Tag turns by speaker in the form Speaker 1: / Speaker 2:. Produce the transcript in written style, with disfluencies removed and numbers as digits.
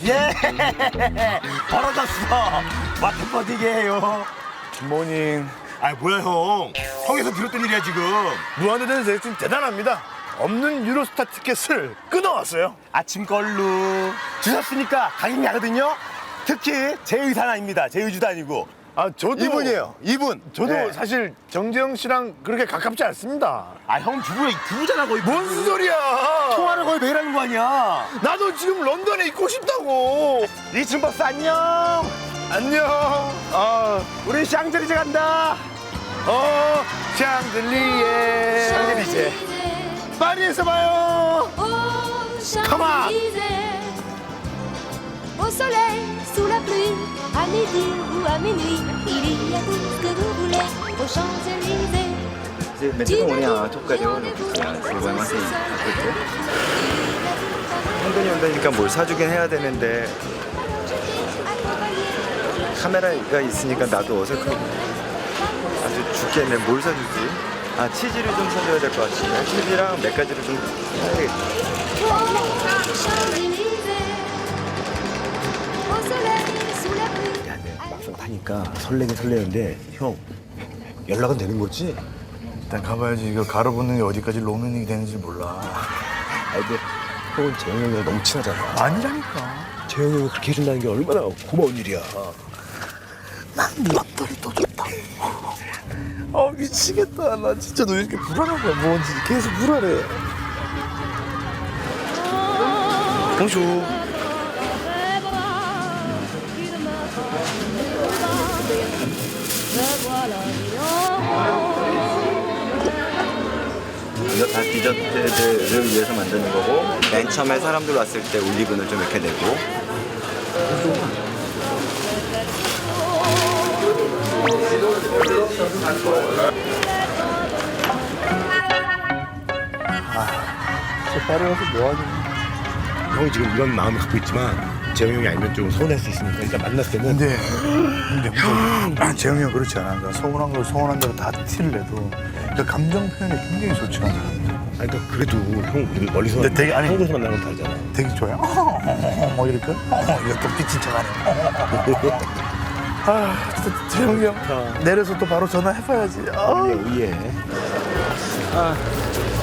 Speaker 1: 예, 벌어졌어. 마트 버티게 해요.
Speaker 2: 모닝.
Speaker 1: 아, 뭐야, 형. 형에서 비롯된 일이야, 지금.
Speaker 2: 무한도전에서 지금 대단합니다. 없는 유로스타 티켓을 끊어왔어요.
Speaker 1: 아침 걸로 주셨으니까 가긴 가거든요. 특히 제 의사는 아닙니다. 제 의주도 아니고.
Speaker 2: 아, 저도.
Speaker 1: 이분이에요, 이분.
Speaker 2: 저도
Speaker 1: 네.
Speaker 2: 사실 정재영 씨랑 그렇게 가깝지 않습니다.
Speaker 1: 아, 형 부부잖아, 거의.
Speaker 2: 뭔 소리야?
Speaker 1: 통화를 거의 매일 하는 거 아니야.
Speaker 2: 나도 지금 런던에 있고 싶다고.
Speaker 1: 이춘버스 안녕.
Speaker 2: 안녕.
Speaker 1: 우리 샹젤리제 간다.
Speaker 2: 샹들리에.
Speaker 1: 샹젤리제.
Speaker 2: 파리에서 봐요.
Speaker 1: Come on.
Speaker 3: Au soleil, sous la pluie, à midi ou à minuit, il y a tout ce que vous voulez aux Champs-Élysées.
Speaker 4: 每次跟我俩都가려고 그냥 맛이 있거든. 현돈이 온다니까 뭘 사주긴 해야 되는데 카메라가 있으니까 나도 어색하고 아주 죽겠네. 뭘 사주지? 아, 치즈를 좀 사줘야 될 것 같은데 치즈랑 몇 가지를 좀 사야겠다.
Speaker 3: Champs-Élysées. Au soleil, sous la pluie.
Speaker 1: 야, 근데 막상 타니까 설레긴 설레는데 형 연락은 되는 거지?
Speaker 2: 일단 가봐야지. 이거 가로붙는 게 어디까지 로맨이 되는지 몰라.
Speaker 1: 아, 근데 형은 재영 형이랑 너무 친하잖아.
Speaker 2: 아니라니까.
Speaker 1: 재영 형이 그렇게 해준다는 게 얼마나 고마운 일이야. 난 런던이 더 좋다.
Speaker 2: 미치겠다. 나 진짜 너 왜 이렇게 불안한 거야? 뭔지 계속 불안해.
Speaker 1: 봉슈.
Speaker 4: 이거 다 디저트들을 위해서 만드는 거고 맨 처음에 사람들 왔을 때 올리브는 좀 이렇게 내고
Speaker 2: 파리 와서 뭐하니?
Speaker 1: 형이 지금 이런 마음을 갖고 있지만 재영 형이 알면 좀 서운할 수 있으니까 일단 만났을 때는
Speaker 2: 근데 재영이 형 그렇지 않아. 그러니까 서운한 걸 서운한 대로 다 티를 내도 그 감정 표현이 굉장히 좋지 않아.
Speaker 1: 아니 그러니까 그래도 형 멀리서
Speaker 2: 근데 되게 아니-
Speaker 1: 한국에서 만나는 건 다르잖아.
Speaker 2: 되게 좋아요. 뭐 이렇게 이거 또 삐친 척하네. 진짜 재영이 형 내려서 또 바로 전화해봐야지.
Speaker 1: 위에